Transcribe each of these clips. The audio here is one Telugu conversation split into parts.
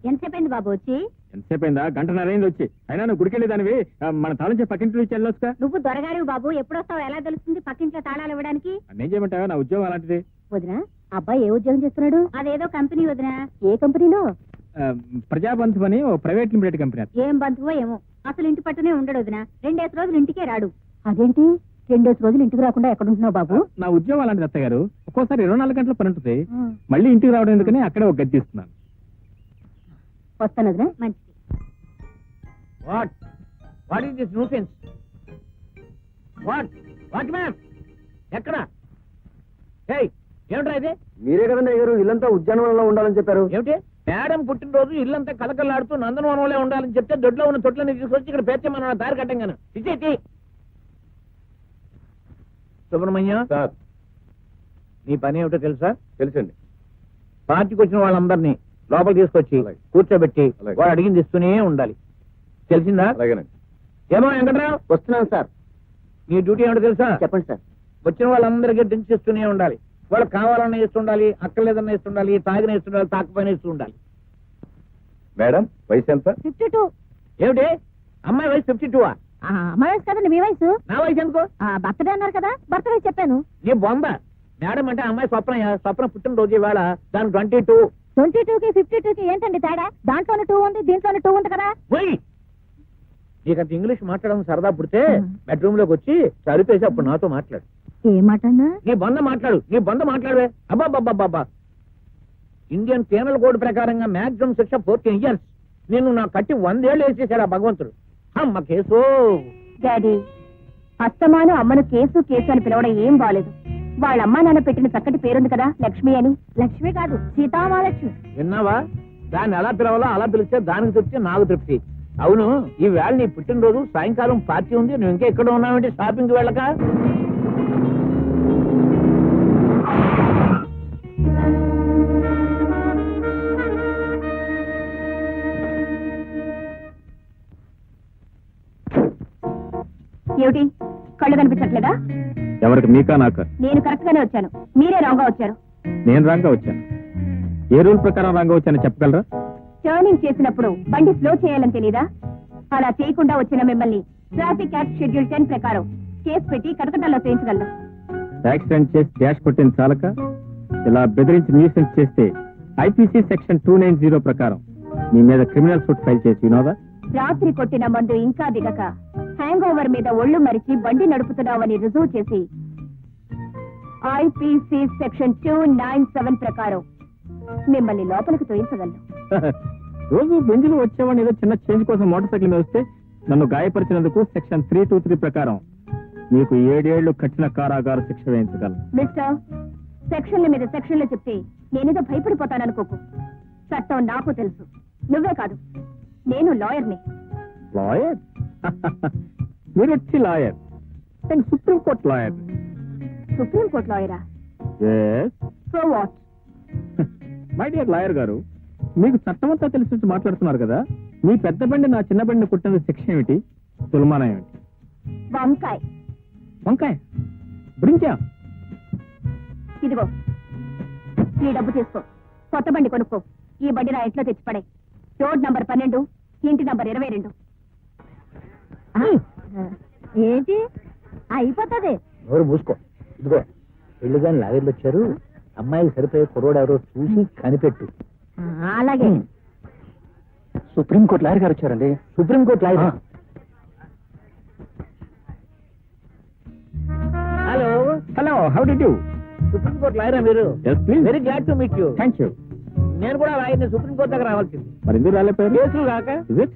ఎంతసేపు బాబు వచ్చి? ఎంతసేపు అయిందా? గంటన్నరైంది వచ్చి. అయినా నువ్వు గుడికెళ్ళి దానివి మన తాళం పక్కింటి నుంచి వెళ్ళొచ్చుగా. నువ్వు దొరగారు బాబు, ఎప్పుడొస్తావు ఎలా తెలుస్తుంది పక్కింట్లో తాళాలు ఇవ్వడానికి? నేను చేయమంటావా? నా ఉద్యోగం అలాంటిది. వదినా, అబ్బాయి ఏ ఉద్యోగం చేస్తున్నాడు? అదేదో కంపెనీ వదినా. ఏ కంపెనీలో? ప్రజాబంధు అని ఓ ప్రైవేట్ లిమిటెడ్ కంపెనీ. ఏం బంధువో ఏమో, అసలు ఇంటి పట్టునే ఉండడు వదినా. 2 రోజులు ఇంటికే రాడు. అదేంటి 2 రోజులు ఇంటికి రాకుండా ఎక్కడుంటున్నావు బాబు? నా ఉద్యోగం అలాంటిది అత్తయ్య గారు. ఒక్కోసారి 24 గంటల పని ఉంటుంది. మళ్ళీ ఇంటికి రావడం ఎందుకని అక్కడే ఒక గది తీస్తున్నాను. వస్తాను వదినా. మంచిది. What is this nuisance? What ma'am ఎక్కడ? ఏమిట్రా ఇది? మీరే కదండి అయ్యారు ఇల్లంతా ఉద్యానవనంలో ఉండాలని చెప్పారు. ఏమిటి మేడం పుట్టినరోజు ఇల్లంతా కలకలాడుతూ నందనవనంలో ఉండాలని చెప్తే దొడ్లో ఉన్న తొట్లని తీసుకొచ్చి ఇక్కడ పేర్చమన్న దారి కట్టంగాను. ఇచ్చేటి సుబ్రహ్మణ్యం సార్, నీ పని ఏమిటో తెలుసా? తెలుసండి. పార్టీకి వచ్చిన వాళ్ళందరినీ లోపల తీసుకొచ్చి అలాగే. కూర్చోబెట్టి అలాగే. వాడు అడిగింది ఇస్తూనే ఉండాలి. తెలిసిందా? అలాగేనండి. ఏమో వెంకట్రావు, వస్తున్నాను సార్. నీ డ్యూటీ ఏమిటో తెలుసా? చెప్పండి సార్. వచ్చిన వాళ్ళందరికీ డ్రింక్స్ ఇస్తూనే ఉండాలి. వాళ్ళు కావాలన్నా ఇస్తుండాలి, అక్కర్లేదన్నా ఇస్తుండాలి, తాగిన ఇస్తుండాలి, తాకపోయినా ఇస్తూ ఉండాలి. మేడం వయసు ఎంత? 52. ఏమిటి అమ్మాయి వయసు 52? అమ్మాయి వయసు కదండి మీ వయసు. నా వయసు ఎందుకో? బర్త్డే అన్నారు కదా, బర్త్డే చెప్పాను. నీ బొంద. మేడం అంటే అమ్మాయి స్వప్న పుట్టినరోజు ఇవాళ. దానికి 22. 22కి 52కి ఏంటండి తేడా? దాంట్లోనే 2 ఉంది, దీంట్లోనే 2 ఉంది కదా. పోయి నీకంత ఇంగ్లీష్ మాట్లాడడం సరదా పుడితే బెడ్రూమ్ లోకి వచ్చి చదివేసి అప్పుడు నాతో మాట్లాడు. ఏ మాట అన్నా? నీ బంద మాట్లాడు, నీ బంద మాట్లాడవే. అబ్బాబ్బాబ్బా, ఇండియన్ పీనల్ కోడ్ ప్రకారంగా మాక్సిమం శిక్ష 14 years. నిన్ను నా కట్టి 100 ఏళ్ళు వేసేసాడు ఆ భగవంతుడు. అమ్మ కేసు. డాడీ, అత్తమాను అమ్మను కేసు కేసు అని పిలవడం ఏం బాలేదు. వాళ్ళ అమ్మా నాన్న పెట్టిన చక్కటి పేరుంది కదా, లక్ష్మి అని. లక్ష్మి కాదు, సీతామహాలక్ష్మి. విన్నావా? దాన్ని ఎలా పిలవాలో అలా పిలిస్తే దానికి తృప్తి, నాకు తృప్తి. అవును, ఈ వేళ నీ పుట్టినరోజు, సాయంకాలం పార్టీ ఉంది. నువ్వు ఇంకా ఎక్కడ ఉన్నావంటే షాపింగ్కి వెళ్ళక? ఏమిటి కళ్ళు కనిపించట్లేదా? ఎవరికి? మీకా నాకా? నేను కరెక్ట్ గానే వచ్చాను, మీరే రాంగ్ గా వచ్చారు. నేను రాంగా వచ్చాను. ఏ రూల్ ప్రకారం రాంగా వచ్చానో చెప్పగలరా? టర్నింగ్ చేసినప్పుడు బండి స్లో చేయాలని తెలీదా? అలా చేయకుండా వచ్చిన మిమ్మల్ని ట్రాఫిక్ యాక్ట్ షెడ్యూల్ 10 ప్రకారం కేసు పెట్టి కటకటాల్లో చేయించగలను. యాక్సిడెంట్ చేసి డాష్ కొట్టిన చాలక ఇలా బెదిరించి న్యూసెన్స్ చేస్తే ఐపీసీ సెక్షన్ 290 ప్రకారం మీ మీద క్రిమినల్ సూట్ ఫైల్ చేసి వినోదా? రాత్రి కొట్టిన మందు ఇంకా దిగక హ్యాంగ్ ఓవర్ మీద ఒళ్ళు మరిచి బండి నడుపుతున్నావని రుజువు చేసి ఐపీసీ సెక్షన్ 297 ప్రకారం మిమ్మల్ని లోపలికి తోయించగలను. రోజు బెంజులు వచ్చేవాడిని ఏదో చిన్న చేంజ్ కోసం మోటార్ సైకిల్ మీద వస్తే నన్ను గాయపరిచినందుకు సెక్షన్ 323 ప్రకారం మీకు 7 ఏళ్లు కఠిన కారాగార శిక్ష వేయించగలను. మిస్టర్, సెక్షన్ల మీద సెక్షన్లు చెప్తే నేనేదో భయపడిపోతాననుకోకు. చట్టం నాకు తెలుసు, నువ్వే కాదు, నేను లాయర్ని. లాయర్? మీరు వచ్చి లాయర్? నేను సుప్రీంకోర్టు లాయర్. సుప్రీంకోర్టు లాయరా? So what? My dear lawyer గారు, మీకు చట్టమంతా తెలిసి మాట్లాడుతున్నారు కదా. మీ పెద్ద బండి నా చిన్న బండిని కుట్టిన శిక్ష ఏమిటి? తులమానం ఏమిటి? వంకాయ. వంకాయ? బ్రింజా? ఇదిగో ఈ డబ్బు తీసుకో, కొత్త బండి కొనుక్కో. ఈ బండి నా ఇంట్లో తెచ్చిపడే. రోడ్ నంబర్ 12, ఇంటి నంబర్ 22. ఏంటి అయిపోతుంది? ఎవరు మూసుకో. ఇదిగో పెళ్లి గాని లాగర్లు వచ్చారు. అమ్మాయికి సరిపోయే కుర్రోడు ఎవరో చూసి కనిపెట్టు. అలాగే. సుప్రీంకోర్టు లాయర్ గారు వచ్చారండి. Supreme court lawyer? Hello hello, how do you? Supreme court లాయరా మీరు? Yes, please. Very glad to meet you. Thank you. నేను కూడా లాయర్ని. సుప్రీంకోర్టు దగ్గర రావాల్సింది. మరి ఎందుకు రాలేపోయారు? కేసులు కాక. Is it?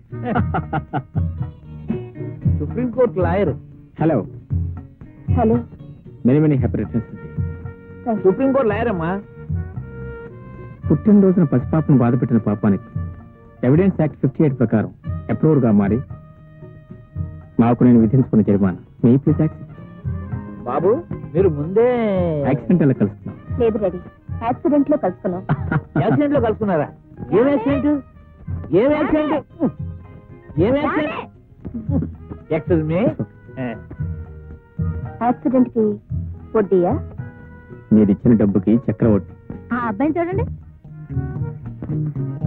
Supreme court lawyer. Hello, hello. Many many happy returns. Supreme court lawyer అమ్మా. పుట్టినరోజున పసిపాపను బాధపెట్టిన పాపానికి ఎవిడెన్స్ యాక్ట్ 58 ప్రకారం అప్రూవర్ గా మారి నాకు నేను విధించుకున్న జరిమానా మీ ప్లీజ్ యాక్ట్. బాబు మీరు ముందే యాక్సిడెంట్ ఎలా కలుస్తున్నాం? లేదు రెడీ, యాక్సిడెంట్ లో కలుసుకున్నాం. యాక్సిడెంట్ లో కలుసుకున్నారా? ఏం యాక్సిడెంట్? ఏం యాక్సిడెంట్? ఏం యాక్సిడెంట్? Excuse me. యాక్సిడెంట్ కి వడ్డీయా? మీరు ఇచ్చిన డబ్బుకి చక్రవడ్డీ. ఆ అబ్బాయిని చూడండి.